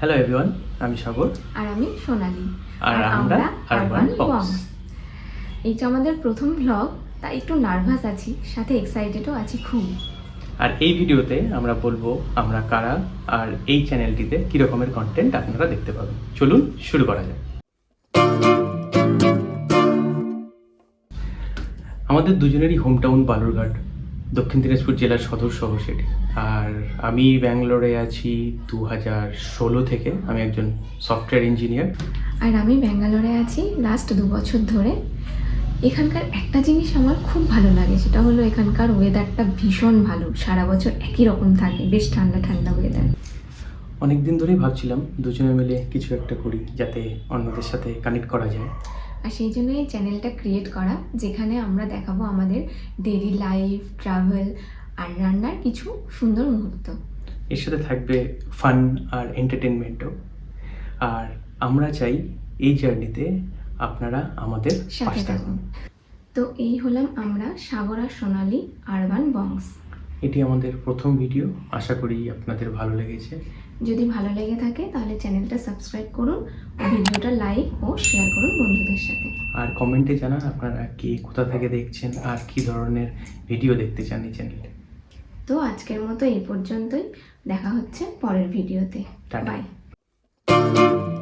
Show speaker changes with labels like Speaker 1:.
Speaker 1: Hello everyone, আমি সাগর
Speaker 2: আর আমি সোনালি।
Speaker 1: আর আমরা আরবান বক্স।
Speaker 2: এইটা আমাদের প্রথম ব্লগ, তাই একটু নার্ভাস আছি, সাথে এক্সাইটেডও আছি খুব।
Speaker 1: আর এই ভিডিওতে আমরা বলবো আমরা কারা আর এই চ্যানেলটিতে কী রকমের কন্টেন্ট আপনারা দেখতে পাবেন। চলুন শুরু করা যাক। আমাদের দুজনেরই হোম টাউন বালুরঘাট, দক্ষিণ দিনাজপুর জেলার সদর শহর সেটি। আর আমি ব্যাঙ্গালোরে আছি 2016 থেকে। আমি একজন সফটওয়্যার ইঞ্জিনিয়ার।
Speaker 2: আর আমি ব্যাঙ্গালোরে আছি লাস্ট 2 বছর ধরে। এখানকার একটা জিনিস আমার খুব ভালো লাগে, সেটা হলো এখানকার ওয়েদারটা ভীষণ ভালো, সারা বছর একই রকম থাকে, বেশ ঠান্ডা ঠান্ডা ওয়েদার।
Speaker 1: অনেক দিন ধরেই ভাবছিলাম দুজনে মিলে কিছু একটা করি, যাতে অন্যদের সাথে কানেক্ট করা যায়।
Speaker 2: আর সেই জন্য এই চ্যানেলটা ক্রিয়েট করা, যেখানে আমরা দেখাবো আমাদের ডেইলি লাইফ, ট্রাভেল আর রান্নার কিছু সুন্দর মুহূর্ত।
Speaker 1: এর সাথে থাকবে ফান আর এন্টারটেনমেন্টও। আর আমরা চাই এই জার্নিতে আপনারা আমাদের
Speaker 2: সাথে
Speaker 1: পাশে
Speaker 2: থাকুন।
Speaker 1: থাকুন।
Speaker 2: তো এই হলাম আমরা, সাগর আর সোনালি, আরবান বংশ।
Speaker 1: এটি আমাদের প্রথম ভিডিও, আশা করি আপনাদের ভালো লেগেছে।
Speaker 2: যদি ভালো লেগে থাকে তাহলে চ্যানেলটা সাবস্ক্রাইব করুন ও ভিডিওটা লাইক ও শেয়ার করুন বন্ধুদের সাথে।
Speaker 1: আর কমেন্টে জানান আপনারা কে কোথা থেকে দেখছেন আর কী ধরনের ভিডিও দেখতে চান এই চ্যানেলে।
Speaker 2: তো আজকের মতো এই পর্যন্তই, দেখা হচ্ছে পরের ভিডিওতে।
Speaker 1: টাটা।
Speaker 2: বাই।